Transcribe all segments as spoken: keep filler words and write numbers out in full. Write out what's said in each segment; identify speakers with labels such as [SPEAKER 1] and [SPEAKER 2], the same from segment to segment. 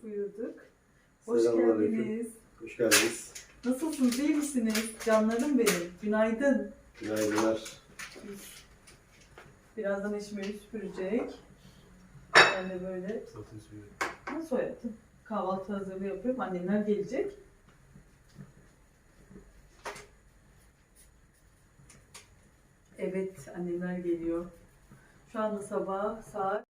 [SPEAKER 1] buyurduk. Hoş
[SPEAKER 2] Selamünaleyküm.
[SPEAKER 1] geldiniz.
[SPEAKER 2] Hoş geldiniz.
[SPEAKER 1] Nasılsınız, iyi misiniz? Canlarım benim. Günaydın.
[SPEAKER 2] Günaydınlar.
[SPEAKER 1] Birazdan eşim evi süpürecek. Ben de böyle nasıl hayatım? Kahvaltı hazırlığı yapıyorum. Annemler gelecek. Evet, annemler geliyor. Şu anda sabah saat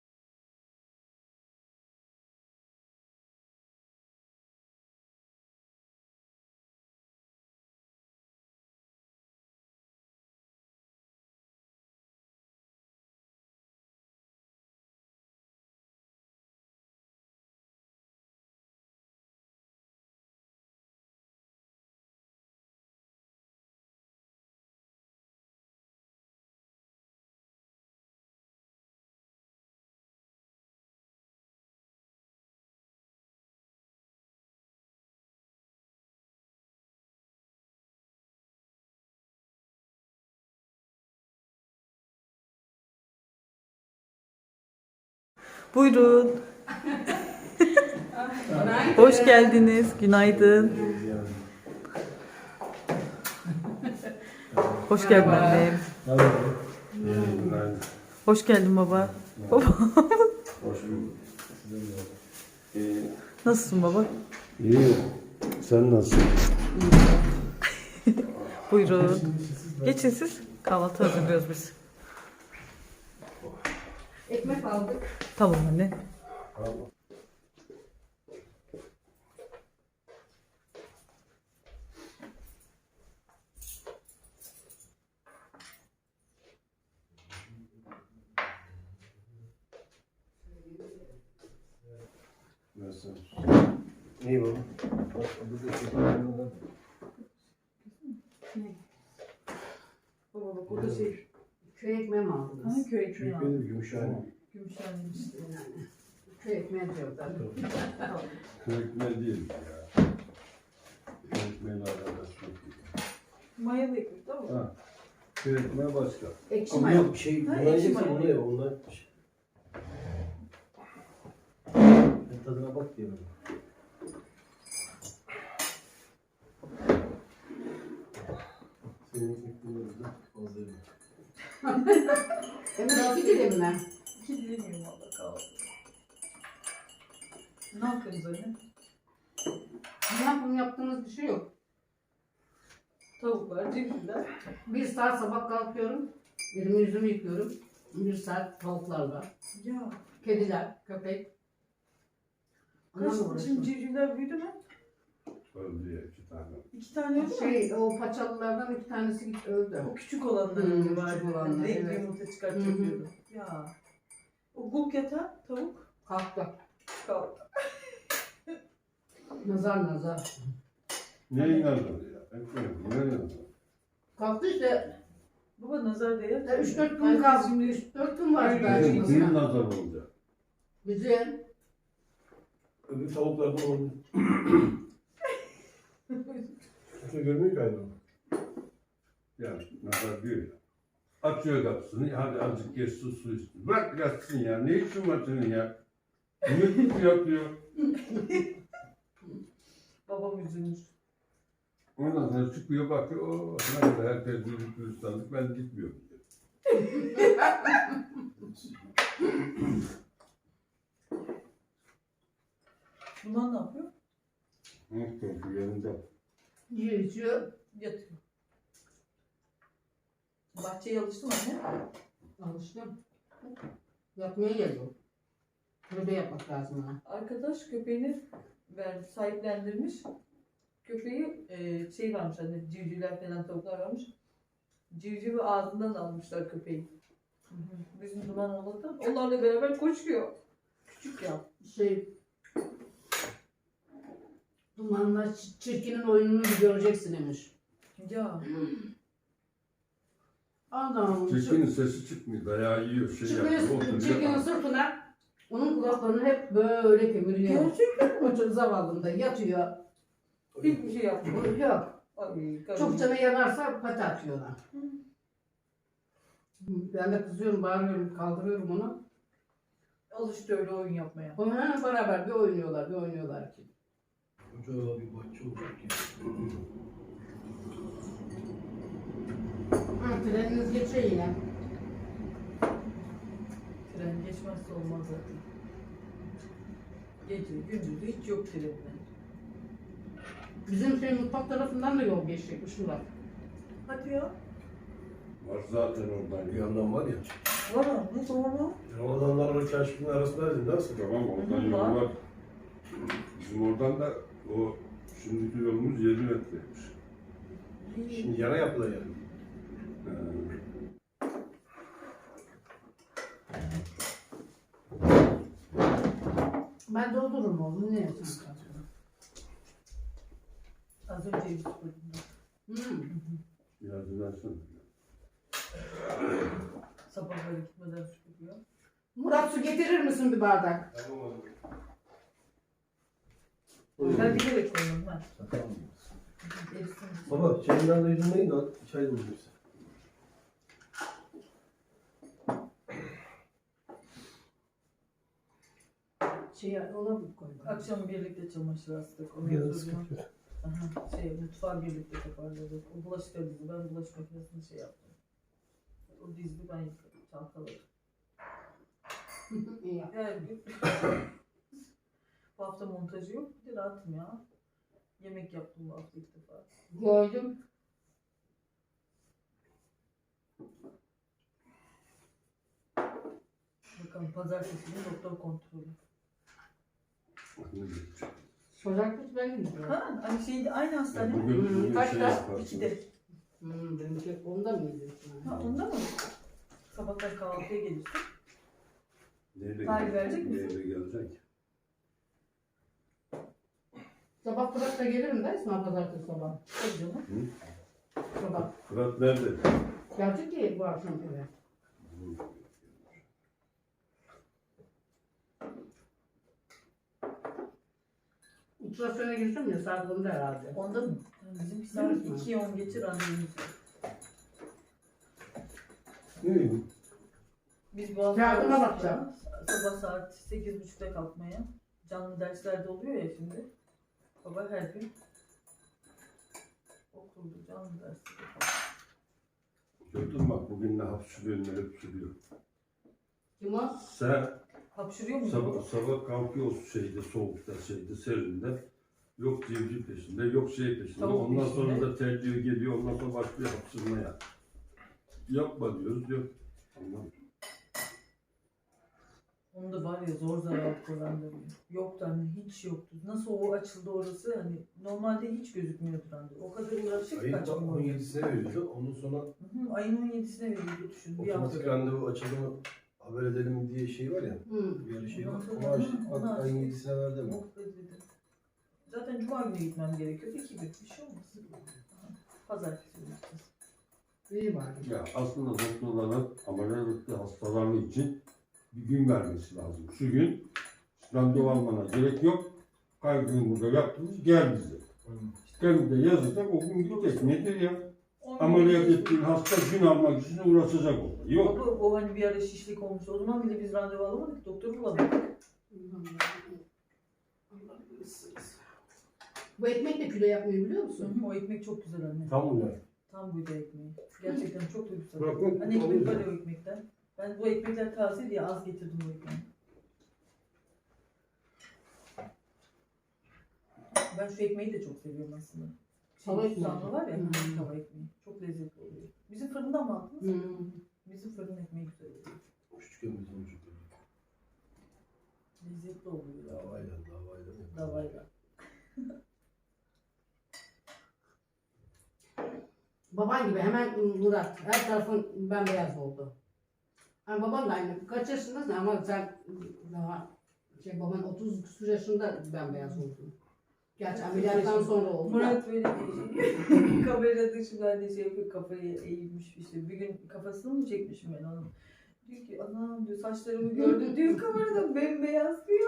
[SPEAKER 1] buyurun. Hoş geldiniz. Günaydın. Hoş geldin annem.
[SPEAKER 2] Günaydın.
[SPEAKER 1] Hoş geldin baba. Baba.
[SPEAKER 2] Hoş bulduk. Ee,
[SPEAKER 1] Nasılsın baba?
[SPEAKER 2] iyi. Sen nasılsın?
[SPEAKER 1] Buyurun. Geçin siz. Kahvaltı hazırlıyoruz biz.
[SPEAKER 3] Ekmek aldık.
[SPEAKER 1] Tamam anne.
[SPEAKER 2] Nasılsın? İyi baba. Bak, bu da şekerlerden.
[SPEAKER 1] Baba bak o da şey.
[SPEAKER 3] Köy ekmeği mi aldınız?
[SPEAKER 1] Ha, köy ekmeği
[SPEAKER 2] Çünkü
[SPEAKER 1] aldım.
[SPEAKER 2] benim Gümüşhane.
[SPEAKER 1] Gümüşhanemiş.
[SPEAKER 3] Yani. Köy ekmeği diyorlar.
[SPEAKER 1] Tamam.
[SPEAKER 2] Köykmen değil ya. Köykmen'le alakası çok iyi.
[SPEAKER 1] Mayalı ekmek tamam mı?
[SPEAKER 2] Ha. Köykmen başka.
[SPEAKER 3] Ekşi
[SPEAKER 2] Ama
[SPEAKER 3] maya.
[SPEAKER 2] yok şey,
[SPEAKER 1] Ha,
[SPEAKER 2] buna
[SPEAKER 1] ekşi
[SPEAKER 2] yiyeceksen
[SPEAKER 1] maya.
[SPEAKER 2] onu ye, ondan. Ben tadına bak diye bana. Senin ekmeklerin de fazla yemek.
[SPEAKER 3] Hemen iki dilim mi?
[SPEAKER 1] İki dilim yiyeyim valla kahvaltı. Ne yapıyorsunuz anne?
[SPEAKER 3] Ne yapım yaptığımız bir şey yok.
[SPEAKER 1] Tavuklar, civcivler.
[SPEAKER 3] Bir saat sabah kalkıyorum. Elimi yüzümü yıkıyorum. Bir saat tavuklarla.
[SPEAKER 1] Ya.
[SPEAKER 3] Kediler, köpek.
[SPEAKER 1] Kaç
[SPEAKER 3] Onlarla
[SPEAKER 1] şimdi
[SPEAKER 3] uğraşıyorum.
[SPEAKER 1] civcivler büyüdü mü?
[SPEAKER 2] Öldü ya iki tane.
[SPEAKER 1] İki tane öldü mü?
[SPEAKER 3] Şey, o paçalılardan iki tanesi gitti öldü.
[SPEAKER 1] O küçük olanlar
[SPEAKER 3] Hmm,
[SPEAKER 1] hmm, var.
[SPEAKER 3] küçük olanlar,
[SPEAKER 1] Renkli
[SPEAKER 3] evet.
[SPEAKER 1] yumurta
[SPEAKER 3] Hı
[SPEAKER 1] çıkartıyor
[SPEAKER 3] hı.
[SPEAKER 1] diyordum. Ya. O guk yatan tavuk
[SPEAKER 3] Kalktı.
[SPEAKER 1] kaldı.
[SPEAKER 3] Nazar nazar.
[SPEAKER 2] Ne inandın ya? Ben koyuyorum. Ne inandın?
[SPEAKER 3] Kalktı işte.
[SPEAKER 1] Baba nazar değer.
[SPEAKER 3] Ya üç dört gün
[SPEAKER 1] Herkes
[SPEAKER 3] kaldı.
[SPEAKER 1] şimdi
[SPEAKER 3] üç dört gün var
[SPEAKER 1] Öyle
[SPEAKER 3] daha
[SPEAKER 1] değil.
[SPEAKER 2] Bizim kimin
[SPEAKER 3] çıkmasına.
[SPEAKER 2] nazar olacak?
[SPEAKER 3] Güzel.
[SPEAKER 2] Öbür tavuklardan oldu. Kimse görmüyor ki hayvanı. Yani nazar diyor ya. Açıyor kapısını, hadi azıcık geç su su içsin. Bırak yatsın ya, ne işin var senin ya? Ümit mi yapıyor?
[SPEAKER 1] babam üzülmüş.
[SPEAKER 2] Ondan sonra çıkıyor bakıyor, o ne kadar herkes büyük gülistanlık, ben gitmiyorum diyor.
[SPEAKER 1] Bunlar ne yapıyor?
[SPEAKER 2] Hı, hı, yanında.
[SPEAKER 3] Yiyor içiyor.
[SPEAKER 1] Yatıyor. Bahçeye alıştın anne.
[SPEAKER 3] Alıştım. Yapmaya geliyor. Böyle yapmak lazım ona.
[SPEAKER 1] Arkadaş köpeğini ver, sahiplendirmiş. Köpeği e, şey varmış hani civcivler falan tavuklar varmış. Civcivi ağzından almışlar köpeği. Hı hı. Bizim duman oğlan onlarla beraber koşuyor. Küçük ya.
[SPEAKER 3] Şey, dumanla çi- çirkinin oyununu bir göreceksin demiş.
[SPEAKER 1] Ya.
[SPEAKER 3] Adam
[SPEAKER 2] Çirkinin sesi çıkmıyor, dayağı yiyor, şey
[SPEAKER 3] çıkıyor
[SPEAKER 2] yapıyor,
[SPEAKER 3] çirkinin
[SPEAKER 2] oturuyor.
[SPEAKER 3] sırtına, onun kulaklarını hep böyle kemiriyor.
[SPEAKER 1] Gerçekten
[SPEAKER 3] O çok zavallında yatıyor.
[SPEAKER 1] hiçbir şey yapmıyor.
[SPEAKER 3] Yok.
[SPEAKER 1] Ay,
[SPEAKER 3] Çok
[SPEAKER 1] karım.
[SPEAKER 3] canı yanarsa pati atıyor ona.
[SPEAKER 1] Hı.
[SPEAKER 3] Ben de kızıyorum, bağırıyorum, kaldırıyorum onu.
[SPEAKER 1] Alıştı öyle oyun yapmaya.
[SPEAKER 3] Ha, beraber bir oynuyorlar, bir oynuyorlar ki.
[SPEAKER 4] Ocağa bir bahçe olacak ya.
[SPEAKER 3] Ha, treniniz geçiyor yine.
[SPEAKER 1] Tren geçmezse olmaz zaten. Gece, gündüz hiç yok trenler.
[SPEAKER 3] Bizim şey mutfak tarafından da yol geçecekmiş Murat.
[SPEAKER 1] Hadi ya.
[SPEAKER 2] Var zaten oradan.
[SPEAKER 4] Bir yandan var ya.
[SPEAKER 1] Var mı? Ne doğru?
[SPEAKER 4] Ramazanlarla çarşının arasındaydın nasıl?
[SPEAKER 2] Tamam oradan
[SPEAKER 1] Hı hı,
[SPEAKER 2] yol
[SPEAKER 1] var.
[SPEAKER 2] var. Bizim oradan da o şimdiki yolumuz yedi metreymiş.
[SPEAKER 4] Şimdi yana yaptılar yani.
[SPEAKER 2] Ee,
[SPEAKER 3] Ben doldururum oğlum, ne yapayım?
[SPEAKER 1] Az önce bir süpürdüm.
[SPEAKER 3] Hmm.
[SPEAKER 2] biraz ilersin.
[SPEAKER 1] Sabahları gitmeden süpürüyor.
[SPEAKER 3] Murat, su getirir misin bir bardak?
[SPEAKER 4] Tamam abi.
[SPEAKER 1] Ben bilerek koydum ben.
[SPEAKER 4] Tamam.
[SPEAKER 1] Erisin.
[SPEAKER 4] Baba çayından da yüzünmeyin de çay doldurursun.
[SPEAKER 3] Şey, ona mı koydun?
[SPEAKER 1] Akşam birlikte çamaşır astık. Ondan
[SPEAKER 4] Biraz
[SPEAKER 1] sonra
[SPEAKER 4] sıkıntı yok.
[SPEAKER 1] aha, şey, mutfağı birlikte toparladık. O bulaşıkları dizdi. Ben bulaşık makinesini şey yaptım. O dizdi, ben yıkadım. Çalkaladım.
[SPEAKER 3] İyi yap.
[SPEAKER 1] Her gün. Bu hafta montajı yok. Bir de rahatım ya. Yemek yaptım bu hafta ilk defa.
[SPEAKER 3] Gördüm.
[SPEAKER 1] Bakalım pazartesi günü doktor kontrolü.
[SPEAKER 3] Pazartesi ben gidiyorum.
[SPEAKER 1] Ha, hani şeydi, aynı hastane.
[SPEAKER 2] Bugün, bugün
[SPEAKER 3] Kaçta?
[SPEAKER 2] şey yaparsın.
[SPEAKER 1] İkide.
[SPEAKER 3] Hmm, benimki onda mıydı?
[SPEAKER 1] Ha, onda mı? Sabahtan kahvaltıya gelirsin.
[SPEAKER 2] Neyle,
[SPEAKER 1] Tarih verecek misin?
[SPEAKER 2] neyle gelecek?
[SPEAKER 3] Sabah Fırat da gelirim de İsmail pazartesi sabah.
[SPEAKER 1] Tabii canım.
[SPEAKER 2] Hı?
[SPEAKER 3] Sabah.
[SPEAKER 2] Fırat nerede?
[SPEAKER 3] Gelecek ki bu akşam eve. Ultrasyona gireceğim ya, saat onda herhalde.
[SPEAKER 1] Onda mı? Yani bizim bir saat
[SPEAKER 3] Hı.
[SPEAKER 1] ikiye on geçir randevumuz var.
[SPEAKER 2] Ne?
[SPEAKER 1] Biz bu hafta
[SPEAKER 3] Yardıma
[SPEAKER 1] alıştık
[SPEAKER 3] bakacağım.
[SPEAKER 1] ya, sabah saat sekiz buçukta kalkmaya. Canlı derslerde oluyor ya şimdi. Baba her gün okulda canlı dersi.
[SPEAKER 2] Gördün mü bak bugün ne hapşırıyor ne hapşırıyor.
[SPEAKER 3] Kim o?
[SPEAKER 2] Sen
[SPEAKER 1] Hapşırıyor mu?
[SPEAKER 2] sabah, sabah kalkıyorsun şeyde soğukta şeyde serinde. Yok civciv peşinde yok şey peşinde.
[SPEAKER 1] Tavuk
[SPEAKER 2] ondan
[SPEAKER 1] peşinde.
[SPEAKER 2] sonra da terliyor geliyor ondan sonra başlıyor hapşırmaya. Yapma diyoruz diyor. Tamam.
[SPEAKER 1] Onu da var ya zor zarar randevu. Yoktu hani hiç yoktu. Nasıl o açıldı orası hani normalde hiç gözükmüyordu randevu. O kadar uğraşıp
[SPEAKER 4] Ayın
[SPEAKER 1] kaçmıyor.
[SPEAKER 4] on yedisine veriyordu. Ondan sonra
[SPEAKER 1] Hı hı, ayın on yedisine veriyordu düşün. Bir
[SPEAKER 4] otomatik
[SPEAKER 1] hafta.
[SPEAKER 4] randevu açıldı mı haber edelim mi diye şey var ya.
[SPEAKER 3] Hmm.
[SPEAKER 4] Bir ara şey var.
[SPEAKER 1] Ondan sonra-
[SPEAKER 4] Onu açtık.
[SPEAKER 1] Hı, onu
[SPEAKER 4] Bak ayın
[SPEAKER 1] açtık.
[SPEAKER 4] yedisine verdi mi?
[SPEAKER 1] Oh be dedim. Zaten cuma günü gitmem gerekiyordu. İki gün bir şey olmaz. Aha, pazartesi günü gideceğiz.
[SPEAKER 3] İyi var.
[SPEAKER 2] Ya aslında doktorların ameliyatlı hastaları için bir gün vermesi lazım. Şu gün randevu almana gerek yok. Kaygını burada yaptınız gel bize. Gel de yazacak o gün gidecek. Nedir ya?
[SPEAKER 1] On
[SPEAKER 2] Ameliyat
[SPEAKER 1] gün-
[SPEAKER 2] ettiğin hasta gün almak için uğraşacak orada. Yok.
[SPEAKER 1] Baba o hani bir ara şişlik olmuş. O zaman bile biz randevu alamadık. Doktoru bulamadık.
[SPEAKER 3] Bu ekmek de kilo yapmıyor biliyor
[SPEAKER 1] Hı
[SPEAKER 3] musun?
[SPEAKER 1] hı, o ekmek çok güzel anne.
[SPEAKER 4] Tam bunlar.
[SPEAKER 1] Tam buğday ekmeği. Gerçekten çok da güzel.
[SPEAKER 4] Bırak bak.
[SPEAKER 1] Hani ekmek var ya o ekmekten. Ben bu ekmekler taze diye az getirdim bu ekmeği. Ben şu ekmeği de çok seviyorum aslında.
[SPEAKER 3] Tava
[SPEAKER 1] Şey,
[SPEAKER 3] ekmeği.
[SPEAKER 1] susamlı var ya,
[SPEAKER 3] Hmm.
[SPEAKER 1] tava ekmeği. Çok lezzetli oluyor. Bizim fırından mı aldınız?
[SPEAKER 3] Hmm.
[SPEAKER 1] Bizim fırın ekmeği güzel oluyor.
[SPEAKER 4] Küçükken biz onu çok yedik.
[SPEAKER 1] Lezzetli oluyor. ya.
[SPEAKER 4] Davayla davayla.
[SPEAKER 1] Davayla.
[SPEAKER 3] Baban gibi hemen Murat. Her tarafın bembeyaz oldu. Yani baban da aynı. Kaç yaşındasın ama sen daha şey baban otuz küsur yaşında bembeyaz oldun. Gerçi ameliyattan sonra oldu. da.
[SPEAKER 1] Murat böyle kamera dışında hani şey yapıyor, kafayı eğilmiş işte. Bir gün kafasını mı çekmişim ben onun. Diyor ki anam diyor saçlarımı gördüm diyor kamerada bembeyaz diyor.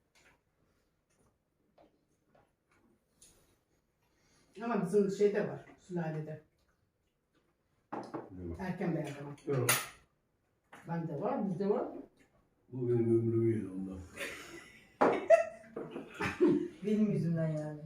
[SPEAKER 3] Ama bizim şeyde var. Sülalede. Erken beyazlama.
[SPEAKER 4] Yok.
[SPEAKER 3] Bende var, bizde var.
[SPEAKER 4] Bu benim ömrümü yedi ondan.
[SPEAKER 1] Benim yüzümden yani.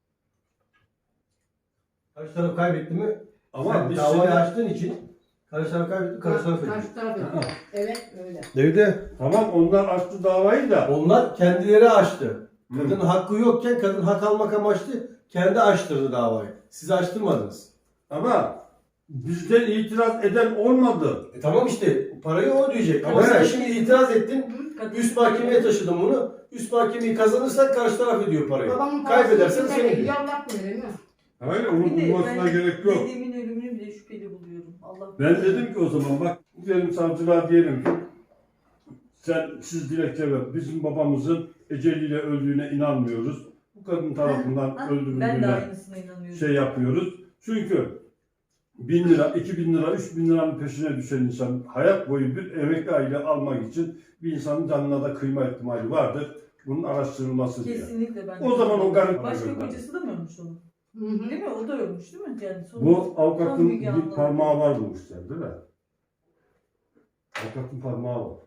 [SPEAKER 4] Karşı taraf kaybetti mi?
[SPEAKER 2] Ama
[SPEAKER 4] Sen
[SPEAKER 2] biz
[SPEAKER 4] davayı
[SPEAKER 2] şimdi-
[SPEAKER 4] açtığın için karşı taraf kaybetti, karşı taraf ediyor.
[SPEAKER 3] Karşı taraf ediyor. Evet öyle.
[SPEAKER 4] Evde
[SPEAKER 2] Tamam onlar açtı davayı da.
[SPEAKER 4] onlar kendileri açtı.
[SPEAKER 2] Hı.
[SPEAKER 4] Kadının hakkı yokken kadın hak almak amaçlı kendi açtırdı davayı. Siz açtırmadınız.
[SPEAKER 2] Ama bizden itiraz eden olmadı.
[SPEAKER 4] E tamam işte parayı o ödeyecek. Ama
[SPEAKER 2] Evet.
[SPEAKER 4] sen şimdi itiraz ettin.
[SPEAKER 1] Kadın-
[SPEAKER 4] Üst mahkemeye taşıdın bunu. Üst mahkemeyi kazanırsan karşı taraf ödüyor parayı.
[SPEAKER 3] Babamın parasını
[SPEAKER 4] Kaybedersen
[SPEAKER 3] kimse
[SPEAKER 4] sen
[SPEAKER 3] de
[SPEAKER 4] ödüyorsun.
[SPEAKER 3] Allah bilir mi?
[SPEAKER 2] Hayır onun
[SPEAKER 1] Bir de
[SPEAKER 2] bulmasına
[SPEAKER 1] ben
[SPEAKER 2] gerek yok.
[SPEAKER 1] Dedemin ölümünü bile şüpheli buluyorum. Allah
[SPEAKER 2] Ben dedim ki o zaman bak diyelim savcılığa diyelim ki sen siz dilekçe ver. Bizim babamızın eceliyle öldüğüne inanmıyoruz. Bu kadın tarafından
[SPEAKER 1] Ha, ben de
[SPEAKER 2] öldürüldüğüne
[SPEAKER 1] aynısına inanıyorum.
[SPEAKER 2] şey yapıyoruz. Çünkü bin lira, iki bin lira, üç bin liranın peşine düşen insan hayat boyu bir emekli aile almak için bir insanın canına da kıyma ihtimali vardır. Bunun araştırılması diye.
[SPEAKER 1] Kesinlikle ben de.
[SPEAKER 2] O zaman o garip
[SPEAKER 1] Başka
[SPEAKER 2] gönderdi.
[SPEAKER 1] kocası da mı ölmüş onun?
[SPEAKER 3] Hı hı.
[SPEAKER 1] Değil mi? O da ölmüş değil mi? Yani son,
[SPEAKER 2] Bu
[SPEAKER 1] son
[SPEAKER 2] avukatın
[SPEAKER 1] Müge
[SPEAKER 2] bir
[SPEAKER 1] Anlı.
[SPEAKER 2] parmağı var bu işte değil mi? Avukatın parmağı var.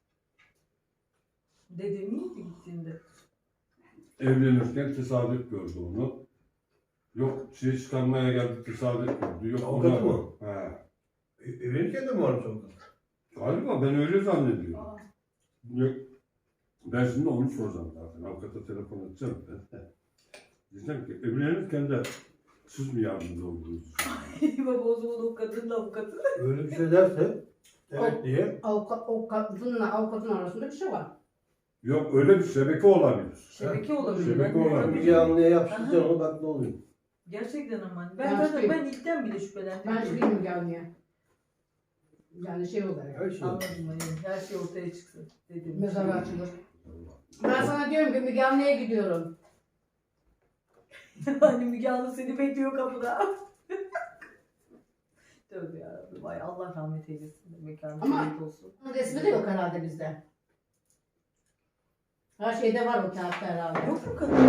[SPEAKER 1] Dedem iyiydi gittiğinde.
[SPEAKER 2] Evlenirken tesadüf gördü onu. Yok şey çıkarmaya geldi tesadüf gördü. Yok
[SPEAKER 4] Avukatı
[SPEAKER 2] ona-
[SPEAKER 4] mı?
[SPEAKER 2] He.
[SPEAKER 4] E, evlenirken de mi varmış avukat?
[SPEAKER 2] Galiba ben öyle zannediyorum.
[SPEAKER 1] Aa,
[SPEAKER 2] Yok. Ben şimdi onu soracağım zaten. Avukata telefon edeceğim. Diyeceğim ki evlenirken de siz mi yardımcı oldunuz?
[SPEAKER 1] baba o zaman o kadının avukatı.
[SPEAKER 4] Öyle bir şey derse evet diye.
[SPEAKER 3] Avukat, o kadınla avukatın arasında bir şey var.
[SPEAKER 2] Yok öyle bir şebeke olabilir.
[SPEAKER 1] Şebeke olabilir.
[SPEAKER 2] Şebeke
[SPEAKER 1] Ben de-
[SPEAKER 2] olabilir.
[SPEAKER 1] Tabii.
[SPEAKER 4] Müge Anlı'ya yapıştıracaksın onu bak ne oluyor.
[SPEAKER 1] Gerçekten ama.
[SPEAKER 3] Ben
[SPEAKER 1] Ben, ben,
[SPEAKER 3] şey-
[SPEAKER 1] ben ilkten bile şüphelendim.
[SPEAKER 3] Ben hiç bilmiyorum gelmeye. Yani şey olarak.
[SPEAKER 4] Her şey.
[SPEAKER 1] Anladım hani. Her şey ortaya çıksın. Dedim.
[SPEAKER 3] Mezarı açılır. Ben sana diyorum ki Müge Anlı'ya gidiyorum.
[SPEAKER 1] Hani Müge Anlı seni bekliyor kapıda. Tövbe yarabbim. Vay Allah rahmet eylesin. Mekanı
[SPEAKER 3] Ama-
[SPEAKER 1] cennet olsun.
[SPEAKER 3] Bunun resmi de yok herhalde bizde. Her şeyde var o kağıtta herhalde.
[SPEAKER 1] Yok mu kadın?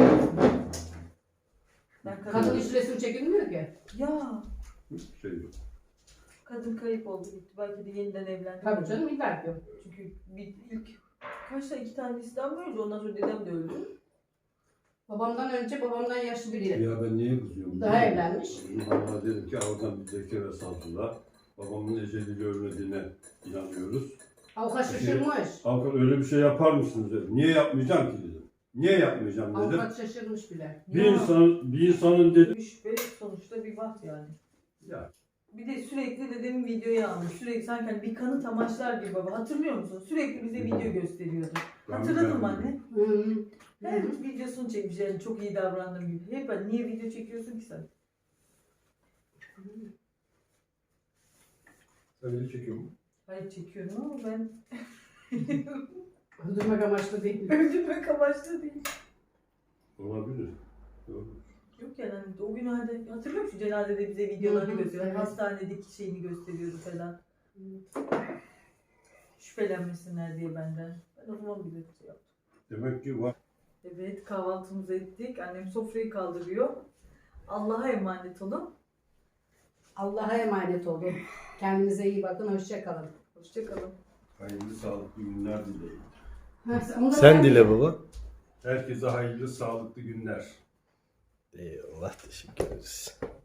[SPEAKER 1] Ben kadın...
[SPEAKER 3] Kadın hiç resim çekilmiyor ki.
[SPEAKER 1] Ya
[SPEAKER 2] Hiçbir şey yok.
[SPEAKER 1] kadın kayıp oldu gitti. Belki de yeniden evlendi.
[SPEAKER 3] Tabii canım illa ki yok.
[SPEAKER 1] Çünkü bir, ilk kaç tane iki tane İslam öldü. Ondan sonra dedem de öldü.
[SPEAKER 3] Babamdan önce babamdan yaşlı biri.
[SPEAKER 2] Ya ben niye kızıyorum?
[SPEAKER 3] Daha
[SPEAKER 2] biliyor musun?
[SPEAKER 3] evlenmiş.
[SPEAKER 2] Bana dedim ki oradan bir zekere saldılar. Babamın eceliyle ölmediğine inanıyoruz.
[SPEAKER 3] Avukat şaşırmış.
[SPEAKER 2] Avukat öyle bir şey yapar mısınız dedim. Niye yapmayacağım ki dedim. Niye yapmayacağım dedim.
[SPEAKER 3] Avukat şaşırmış bile.
[SPEAKER 2] Bir
[SPEAKER 1] Ya.
[SPEAKER 2] insan bir insanın dedim.
[SPEAKER 1] Üç ve sonuçta bir vaht yani.
[SPEAKER 2] Ya
[SPEAKER 1] Bir de sürekli dedemin videoyu almış. Sürekli sanki hani bir kanıt amaçlar gibi baba. Hatırlıyor musun? Sürekli bize video gösteriyordu.
[SPEAKER 2] ben-
[SPEAKER 1] Hatırladın mı
[SPEAKER 2] ben-
[SPEAKER 1] anne?
[SPEAKER 3] Hı hı.
[SPEAKER 1] Her videosunu çekmiş yani çok iyi davrandım gibi. Hep ben niye video çekiyorsun ki sen?
[SPEAKER 4] Sen beni çekiyor mu?
[SPEAKER 1] Hayır çekiyorum ama ben
[SPEAKER 3] Öldürmek amaçlı değil.
[SPEAKER 1] öldürmek amaçlı değil.
[SPEAKER 2] Olabilir. Doğru.
[SPEAKER 1] Yok yani hani o gün halde hatırlıyor musun cenazede bize videolarını
[SPEAKER 3] Hı hı,
[SPEAKER 1] gösteriyor.
[SPEAKER 3] evet.
[SPEAKER 1] Hastanedeki şeyini gösteriyordu falan. Şüphelenmesinler diye benden. Ben o zaman bile şey yaptım.
[SPEAKER 2] Demek ki var.
[SPEAKER 1] Evet kahvaltımızı ettik. Annem sofrayı kaldırıyor. Allah'a emanet olun.
[SPEAKER 3] Allah'a emanet olun. Kendinize iyi bakın. Hoşça kalın.
[SPEAKER 1] Hoşçakalın.
[SPEAKER 2] Hayırlı sağlıklı günler dileyin.
[SPEAKER 3] Sen
[SPEAKER 4] dile baba.
[SPEAKER 2] Herkese hayırlı sağlıklı günler.
[SPEAKER 4] Eyvallah teşekkür ederiz.